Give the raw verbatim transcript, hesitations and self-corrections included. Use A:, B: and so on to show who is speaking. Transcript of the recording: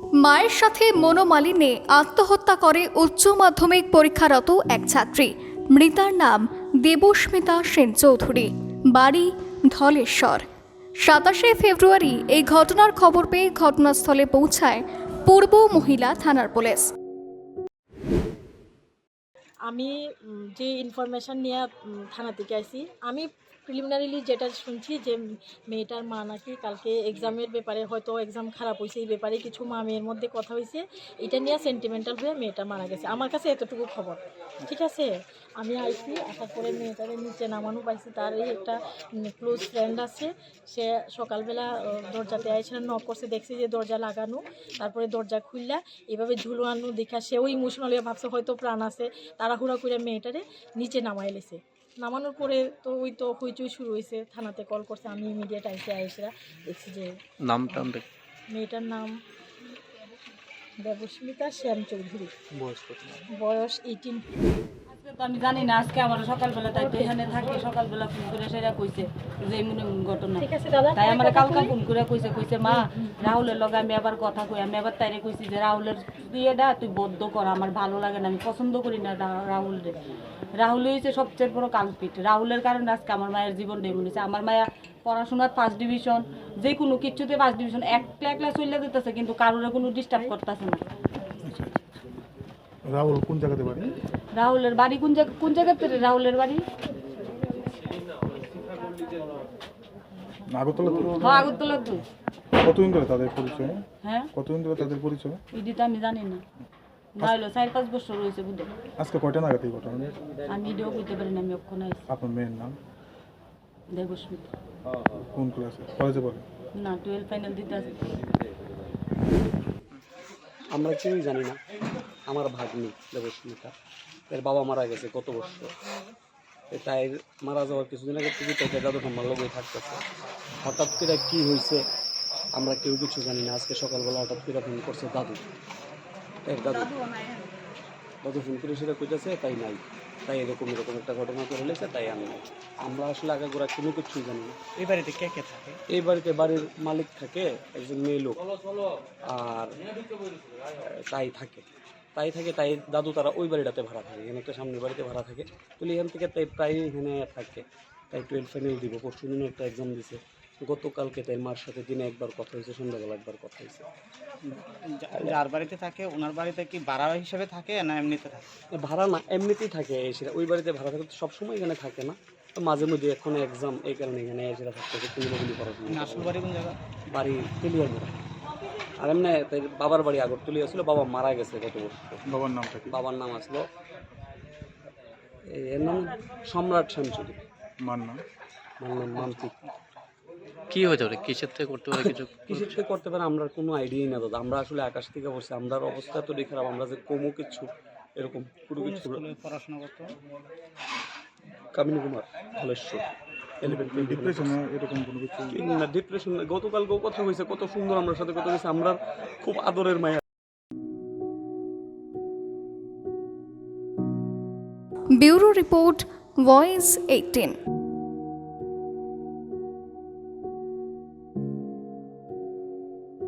A: মায়ের সাথে মনোমালিন্যে আত্মহত্যা করে উচ্চ মাধ্যমিক পরীক্ষারত এক ছাত্রী। মৃতার নাম দেবস্মিতা সেন চৌধুরী, বাড়ি ধলেশ্বর। সাতাশে ফেব্রুয়ারি এই ঘটনার খবর পেয়ে ঘটনাস্থলে পৌঁছায় পূর্ব মহিলা থানার পুলিশ।
B: আমি যে ইনফরমেশন নিয়ে থানা থেকে আসি, আমি প্রিলিমিনারিলি যেটা শুনছি যে মেয়েটার মা নাকি কালকে এক্সামের ব্যাপারে, হয়তো এক্সাম খারাপ হয়েছে, এই ব্যাপারে কিছু মা মেয়ের মধ্যে কথা হয়েছে, এটা নিয়ে সেন্টিমেন্টাল হয়ে মেয়েটা মারা গেছে। আমার কাছে এতটুকু খবর, ঠিক আছে। আমি আইসি, আসার পরে মেয়েটারে নিচে নামানো পাইছি। তার এই একটা ক্লোজ ফ্রেন্ড আছে, সে সকালবেলা দরজাতে আইসে নক করছে, দেখছি যে দরজা লাগানো, তারপরে দরজা খুললা এভাবে ঝুলানো দেখা সেও ইমোশনালি ভাবছে হয়তো প্রাণ আছে। তাড়াহুড়া করে মেয়েটারে নিচে নামাই লেছে। নামানোর পরে তো ওই তো হইচই শুরু হয়েছে, থানাতে কল করছে। আমি ইমিডিয়েট আইসে আইসরা দেখছি যে
C: নামটা
B: মেয়েটার নাম দেবস্মিতা সেন চৌধুরী, বয়স এইটিন।
D: তো আমি জানি না, আজকে আমার সকালবেলা তাই তো এখানে থাকি, সকালবেলা ফোন করে সেটা কইছে যে এমন ঘটনা।
B: ঠিক আছে দাদা,
D: তাই আমার কালকা ফোন করে কইছে কইছে মা রাহুলের লগে আমি আবার কথা কই। আমি আবার তাইরে কইছি যে রাহুলের বিয়েটা তুই বদ্ধ কর, আমার ভালো লাগে না, আমি পছন্দ করি না রাহুল রে। রাহুল হয়েছে সবচেয়ে বড় কালপিট। রাহুলের কারণে আজকে আমার মায়ের জীবনটা এমন হয়েছে। আমার মায়া পড়াশোনার ফার্স্ট ডিভিশন, যে কোনো কিছুতে ফার্স্ট ডিভিশন, একলা একলা চলে যেতেছে, কিন্তু কারোর কোনো ডিস্টার্ব করতেছে না।
E: রাহুল কোন জায়গাতে বাড়ি?
D: রাহুলের বাড়ি কোন জায়গা কোন জায়গাতে রে রাহুলের বাড়ি?
E: আগরতলা তো?
D: হ্যাঁ, আগরতলা তো।
E: কতদিন ধরে তাদের পরিচয়?
D: হ্যাঁ,
E: কতদিন ধরে তাদের পরিচয়?
D: এটি তো আমি জানি না। নাইলো চার পাঁচ বছর হয়েছে বুঝে।
E: আজকে কয়টা নাগাদ এই ঘটনা?
D: আমি এটাও বুঝতে পারি না, আমি অক্ষণ আইছি।
E: আপনার মেয়ের নাম?
D: দেবস্মিতা।
E: কোন ক্লাসে? কলেজে পড়ে?
D: না, টুয়েলভ ফাইনাল দিতে আছে।
F: আমরা কেউই জানি না। আমার ভাগ্নি দেবস্মিতা, এর বাবা মারা গেছে গত বছর। তাই মারা যাওয়ার কিছুদিন আগে থেকে তাই দাদু ঠাম্মার লোকই থাকতেছে। হঠাৎ করে কী হয়েছে আমরা কেউ কিছু জানি না। আজকে সকালবেলা হঠাৎ করে ফোন করছে দাদু, এর দাদু দাদু ফোন করে সেটা কইতেছে তাই নাই, তাই এরকম এরকম একটা ঘটনা করে লেছে, তাই আমি নাই। আমরা আসলে আগে গোড়া কোনো কিছুই জানি না।
C: এই বাড়িতে কে কে থাকে?
F: এই বাড়িতে বাড়ির মালিক থাকে, একজন মেয়ে লোক, আর তাই থাকে তাই থাকে তাই দাদু তারা ওই বাড়িটাতে ভাড়া থাকে, এখানে একটা সামনের বাড়িতে ভাড়া থাকে। তুলি এখান থেকে তাই প্রায় এখানে থাকে। তাই টুয়েলভ ফাইনাল দিব, পরশু দিনে একটা এক্সাম দিছে। গতকালকে তাই মার সাথে দিনে একবার কথা হয়েছে, সন্ধ্যাবেলা একবার কথা হয়েছে।
C: যার বাড়িতে থাকে ওনার বাড়িতে কি ভাড়া হিসেবে থাকে না এমনিতে থাকে?
F: ভাড়া না, এমনিতেই থাকে। সেটা ওই বাড়িতে ভাড়া থাকে, সবসময় এখানে থাকে না, তো মাঝে মধ্যে এখন এক্সাম, এই কারণে এখানে সেটা থাকতে হচ্ছে। কুমিল্লাগুলি পড়াশোনা।
C: আসল বাড়ি কোন জায়গা?
F: বাড়ি তেলিয়ার মোড়া। আর এমনি তাই বাবার বাড়ি আগরতলি আসলো, বাবা মারা গেছে গত বছর।
E: বাবার নামটা কি?
F: বাবার নাম আসলো, এর নাম সম্রাট সেন চৌধুরী।
E: মার নাম?
F: মার নাম মান্তিক।
C: কি হতে পারে, কিসের থেকে করতে পারে? কিছু
F: কিসের থেকে করতে পারে আমরা কোনো আইডিয়াই না দাদা। আমরা আসলে আকাশ থেকে বসে, আমরা অবস্থা এতটাই খারাপ, আমরা যে কমও কিছু এরকম পুরো কিছু।
C: পড়াশোনা করতো
F: কামিনী কুমার, ধলেশ্বর।
E: ডিপ্রেশন এরকম কোনো কিছু?
F: না, ডিপ্রেশন গতকালকেও কথা হয়েছে, কত সুন্দর আমার সাথে কথা হয়েছে, আমরা খুব আদরের মায়া।
A: Bureau report, voice eighteen.